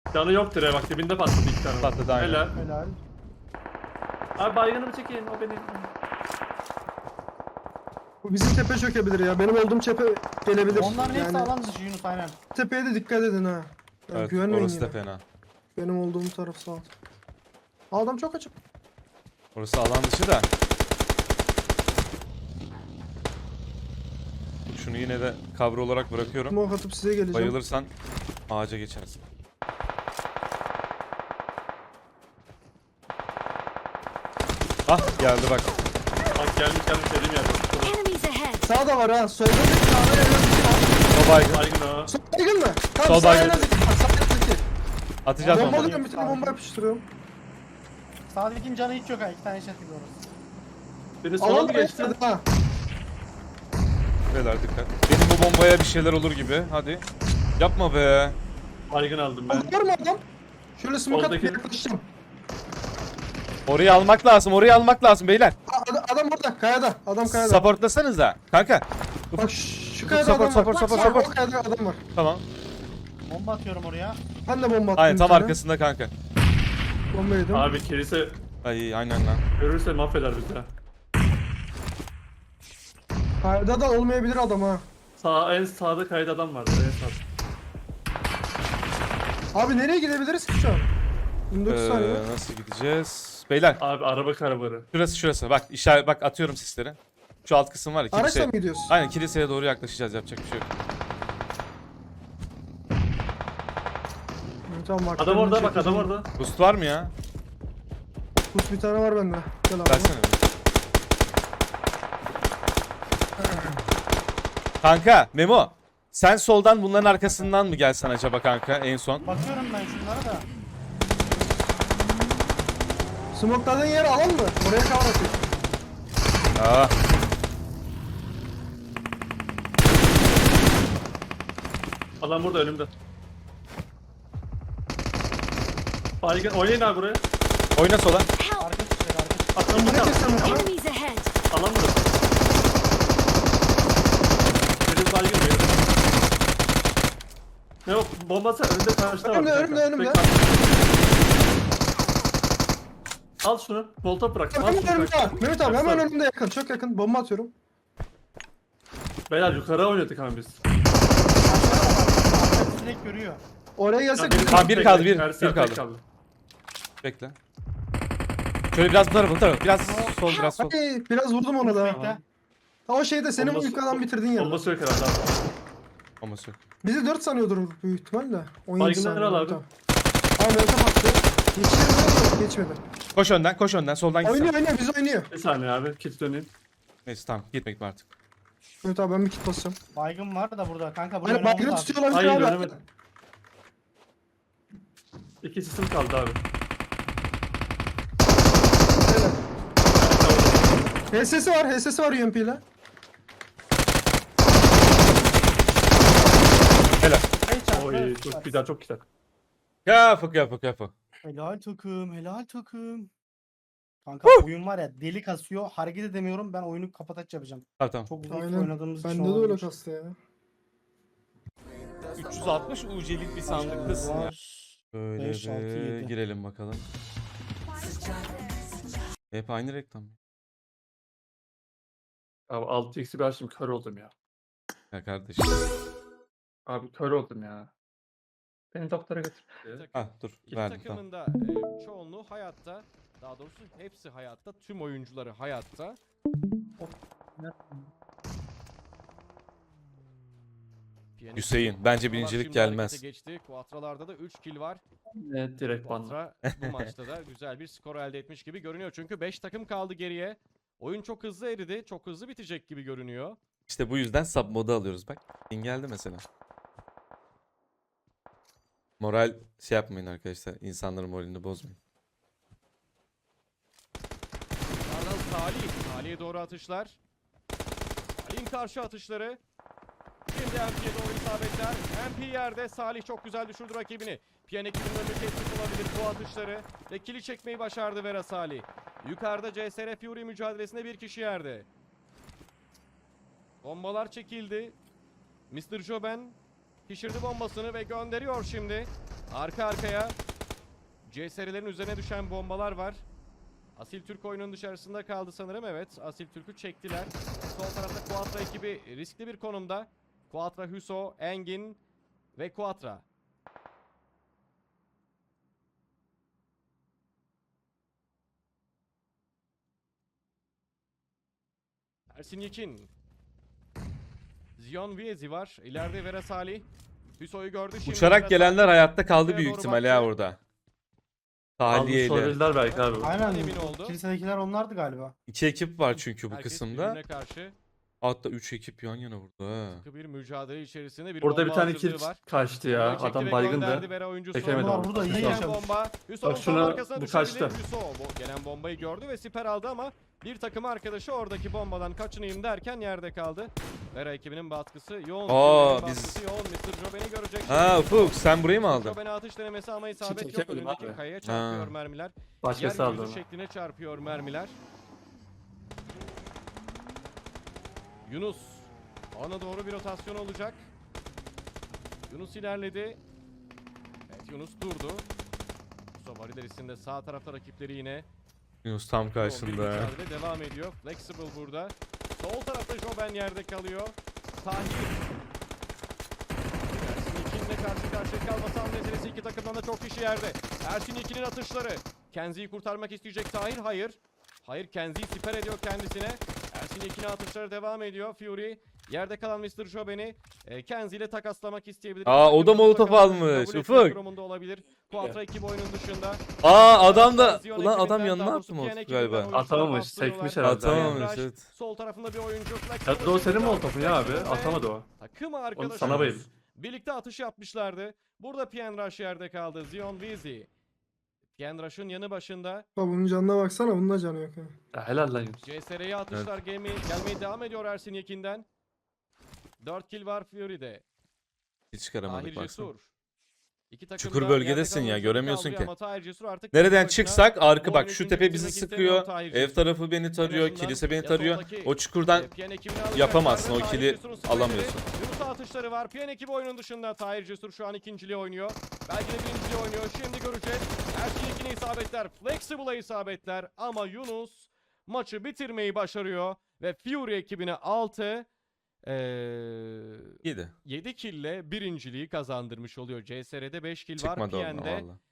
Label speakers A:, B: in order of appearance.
A: Canı yoktur ya, bak dibinde patladı 2 tane.
B: Patladı, aynen.
A: Helal.
C: Helal.
A: Abi baygınımı çekin, o beni.
D: Bu bizim tepe çökebilir ya. Benim olduğum tepe gelebilir.
C: Onların hepsi
D: Yani
C: alan dışı Yunus aynen.
D: tepeye de dikkat edin ha. Yani
B: Evet,
D: güvenmeyin
B: orası
D: yine.
B: da fena.
D: Benim olduğum taraf sağ ol. Adam çok açık.
B: Orası alan dışı da. Şunu yine de cover olarak bırakıyorum.
D: Smoke atıp size geleceğim.
B: Bayılırsan ağaca geçersin. Ah geldi bak.
A: Bak gelmiş dediğim yerde.
E: Enemies ahead!
D: Sağda var ha. Solda bir sağda en az iki var.
B: O baygın.
A: Baygın o.
D: Sol baygın mı?
B: Sol
D: Tamam sağ en
B: baygın.
D: az iki var. Sağ en az iki.
B: Atacağız
D: Bomba
B: onları.
D: alıyorum, bir tane bomba yapıştırıyorum.
C: Sağdakinin canı hiç yok ha. 2 tane işaret ediyoruz.
A: Biri sola
D: Alan
A: mı
D: da
A: geçti?
D: geçti ha.
B: Beyler dikkat. Benim bu bombaya bir şeyler olur gibi. Hadi. Yapma be.
A: Baygın aldım ben.
D: Var mı adam? Şöyle smoke atıp
A: Soldaki-
D: yaklaşacağım.
B: Orayı almak lazım. Orayı almak lazım beyler.
D: Adam orada kayada. Adam kayada.
B: Supportlasanıza. Kanka.
D: Bak şu kayada
B: Support,
D: adam var.
B: support,
D: Bak,
B: support.
D: o kayada adam var.
B: Tamam.
C: Bomba atıyorum oraya.
D: Ben de bomba attım.
B: Aynen
D: bir
B: tam
D: tane.
B: arkasında kanka.
D: Bomba yedim.
A: Abi kilise
B: Ay aynen lan.
A: görürse mahveder bizi ha.
D: Kayada da olmayabilir adam ha.
A: En sağda kayıt adam vardı, en sağda.
D: Abi nereye gidebiliriz ki şu an? 29 saniye.
B: Nasıl gideceğiz? Beyler
A: Abi araba karabarı.
B: şurası. Bak işaret bak atıyorum sisleri. Şu alt kısım var ya
D: Araçla
B: kilise.
D: mı gidiyoruz?
B: Aynen kiliseye doğru yaklaşacağız, yapacak bir şey yok.
D: Tamam, bak,
A: Adam orada, bak
D: çekeceğim.
A: adam orada.
B: Boost var mı ya?
D: Bus bir tane var bende. Gel abi.
B: Versene. Kanka Memo, sen soldan bunların arkasından mı gelsen acaba kanka en son?
C: Bakıyorum ben şunlara da.
D: Smoke'ladığın yer alan mı? Oraya cover atıyor.
B: Aa,
A: Adam burada önümde. Baygın, oynayın abi buraya.
B: oyna sola.
E: Help!
C: Arka çıkacak arka çıkacak.
A: Atlan
D: Bu ne
A: burada.
D: kesin bu?
E: Enemies ahead!
A: Alan burada. Benim baygın bir yere. Ne yok, bombası önünde karşıda var.
D: Önümde,
A: bir
D: önümde,
A: dakika.
D: önümde.
A: Bekle. Al şunu, volta bırak. Al
D: Hemen
A: şunu,
D: önümde
A: bırak.
D: abi. Mehmet abi hemen
A: Baksana.
D: önümde yakın. Çok yakın. Bomba atıyorum.
A: Beyler yukarı oynadık ama biz.
C: Arka direkt görüyor.
D: Oraya gelsek.
A: Benim-
B: Tamam, bir kaldı, bir
A: Ersin,
B: kaldı.
A: tek kaldı.
B: Bekle. Şöyle biraz bu tarafa. Biraz sol, biraz sol.
D: Ay, biraz vurdum ona da.
C: Bekle.
D: Ha, o şeyde senin
A: Bombası-
D: ilk adam bitirdiğin yer.
A: Bombası yok herhalde abi.
B: Olması yok.
D: Bizi 4 sanıyordur büyük ihtimalle. 17
A: Baygınlar
D: saniye.
A: al abi.
D: Tamam. Abi Mehmet'e baktı. Geçti mi? Geçmedi.
B: Koş önden, soldan gitsen.
D: Oynuyor, biz oynuyor.
A: Bir saniye abi, kit döneyim.
B: Neyse tamam, gitmek artık.
D: Mehmet abi ben bir kit basacağım.
C: Baygın var da burada. Kanka buraya
D: Hani
C: oynamamız
D: baygını
C: lazım.
D: tutuyor olabilir
A: Hayır,
D: abi.
A: dönemedim. İki sisim kaldı abi.
D: HS'si var UMP ile.
B: Helal.
C: Hey çarpı.
A: Oy, çok güzel, çok güzel.
B: Kapı.
C: Helal takım, helal takım. Kanka oyun var ya deli kasıyor. Hareket edemiyorum. Ben oyunu kapataç yapacağım.
B: Tamam.
C: Çok uzun süre
D: Aynen.
C: oynadığımız için
D: Bende de öyle
C: olabilir.
D: kastı ya.
B: 360 UC'lik bir sandıklısın ya.
C: Var.
B: Böyle
C: 5, 6,
B: bir
C: 7.
B: girelim bakalım. Hep aynı reklam.
A: Abi 6x'i ben şimdi kör oldum ya.
B: Ya kardeşim.
A: Abi kör oldum ya. Beni doktora götür.
B: Ah dur
F: İki
B: verdim tamam.
F: takımın da çoğunluğu hayatta. Daha doğrusu hepsi hayatta. Tüm oyuncuları hayatta. Piyanist
B: Hüseyin bence
F: Quatralar
B: birincilik
F: şimdi harekete
B: gelmez.
F: Geçti. Quatralarda da 3 kill var.
A: Evet, direkt banla.
F: Quatra bu maçta da güzel bir skor elde etmiş gibi görünüyor. Çünkü 5 takım kaldı geriye. Oyun çok hızlı eridi. Çok hızlı bitecek gibi görünüyor.
B: İşte bu yüzden sub modu alıyoruz bak. Ping geldi mesela. Moral şey yapmayın arkadaşlar. İnsanların moralini bozmayın.
F: Ardından Salih. Salih'e doğru atışlar. Salih'in karşı atışları. Şimdi MP'ye doğru isabetler. MP yerde. Salih çok güzel düşürdü rakibini. Piyan ekibinin önünü kesmiş olabilir bu atışları. Ve kili çekmeyi başardı Vera Salih. Yukarıda CSR Fury mücadelesinde bir kişi yerde. Bombalar çekildi. Mr. Joben pişirdi bombasını ve gönderiyor şimdi. Arka arkaya CSR'lerin üzerine düşen bombalar var. Asil Türk oyunun dışarısında kaldı sanırım. Evet, Asil Türk'ü çektiler. Sol tarafta Quatra ekibi riskli bir konumda. Quatra, Hüso, Engin ve Quatra. Ersin Yekin. Zion Viezi var. İleride Vera Salih. Hüso'yu gördü. Şimdi Vera
B: Uçarak gelenler
F: Salih
B: hayatta kaldı
F: Hüso'ya
B: büyük
F: doğru
B: ihtimalle
F: baktı.
B: ha orada. Tahliyeyle.
E: Olabilirler belki abi.
C: Aynen.
F: Emin oldu.
C: Kilisedekiler onlardı galiba.
B: 2 ekip var çünkü bu
F: Herkes
B: kısımda.
F: birbirine karşı
B: Hatta 3 ekip yan yana burada ha.
F: sıkı bir mücadele içerisinde bir
E: Burada bir
F: bomba
E: tane
F: hazırlığı
E: kill
F: var.
E: kaçtı ya.
F: Bombayı çekti
E: Adam
F: ve
E: baygındı.
F: gönderdi Vera oyuncusu.
E: Çekemedi
C: Bunlar
E: onu.
C: burada iyi
F: Gelen
C: yaşamış.
F: bomba. Hüso'nun
E: Bak
F: tam
E: şuna,
F: arkasına
E: bu
F: düşebilir.
E: kaçtı.
F: Hüso bu gelen bombayı gördü ve siper aldı ama bir takım arkadaşı oradaki bombadan kaçınayım derken yerde kaldı. Vera ekibinin baskısı yoğun.
B: Aa,
F: Ekibinin
B: biz-
F: baskısı yoğun. Mr. Joben'i görecek.
B: Ha Ufuk sen burayı mı
F: Mr.
B: aldın?
F: Joben'e atış denemesi ama isabet yok.
E: Çekemedim
F: Önündeki
E: abi.
F: kayaya çarpıyor
B: Ha.
F: mermiler.
E: Başkası aldı
F: Yeryüzü
E: onu.
F: şekline çarpıyor mermiler. Yunus. Ona doğru bir rotasyon olacak. Yunus ilerledi. Evet Yunus durdu. Sobari derisinde sağ tarafta rakipleri yine.
B: Yunus tam
F: Yoğun bir
B: karşında.
F: mücadele devam ediyor. Flexible burada. Sol tarafta Joben yerde kalıyor. Tahir. Ersin Yekin'le karşı karşıya kalması an meselesi, iki takımdan da çok kişi yerde. Ersin Yekin'in atışları. Kenzi'yi kurtarmak isteyecek Tahir. Hayır. Hayır, Kenzi'yi siper ediyor kendisine. Ersin Yekin'e atışları devam ediyor. Fury yerde kalan Mr. Joben'i Kenzi ile takaslamak isteyebilir.
B: Aa, o da
F: Takımda
B: molotof
F: bakalım,
B: almış,
F: kabul etmek
B: Ufuk.
F: durumunda olabilir. Quatra ekip oyunun dışında.
B: Aa adam da
F: Zion
B: ulan adam
F: ekibinden,
B: yanına
F: daha
B: attı
F: doğrusu
B: mı
F: Piyan
B: Ufuk galiba?
F: ekibinden oyuncular
E: Atamamış,
F: bastırıyorlar.
E: sekmiş herhalde.
B: Atamamış,
F: Emrah,
B: evet.
F: Sol tarafında bir oyuncu.
E: Ya da o senin molotofun ya abi. Atamadı o.
F: Takım
E: Onu
F: arkadaşı
E: sana bayıldı.
F: birlikte atış yapmışlardı. Burada Piyan Rush yerde kaldı. Zion Viezi. Piyan Rush'ın yanı başında.
D: Bak bunun canına baksana, bunun da canı yok ha.
E: Ya helal lan Yunus.
F: CSR'ye atışlar gelmeye devam ediyor Ersin Yekin'den. 4 kill var Fury'de.
B: Hiç çıkaramadık
F: Tahir
B: baksana.
F: Cesur. İki takım
B: Çukur
F: da
B: bölgedesin
F: yerde
B: ya,
F: kalan
B: göremiyorsun
F: kaldırıyor
B: ki.
F: ama Tahir Cesur artık
B: Nereden
F: tek başına
B: çıksak arka
F: bu
B: bak
F: oyunu
B: şu
F: ikinci
B: tepe
F: bitirmek
B: bizi
F: istemiyor
B: sıkıyor.
F: Tahir
B: Ev
F: Cesur.
B: tarafı beni tarıyor.
F: azından
B: Kilise beni
F: ya
B: tarıyor.
F: soldaki,
B: O çukurdan
F: Piyan ekibini alacak.
B: yapamazsın, o
F: Tahir
B: kili
F: Cesur'un spreyleri.
B: alamıyorsun.
F: Yunus'a atışları var. Piyan ekibi oyunun dışında. Tahir Cesur şu an ikinciliği oynuyor. Belki de birinciliği oynuyor. Şimdi göreceğiz. Ersin Yekin'e isabetler. Flexible'a isabetler. Ama Yunus maçı bitirmeyi başarıyor. Ve Fury ekibine
B: 7.
F: 7 kille birinciliği kazandırmış oluyor. CSR'de 5 kill var.
B: Çıkmadı oradan
F: Piyan'de
B: valla.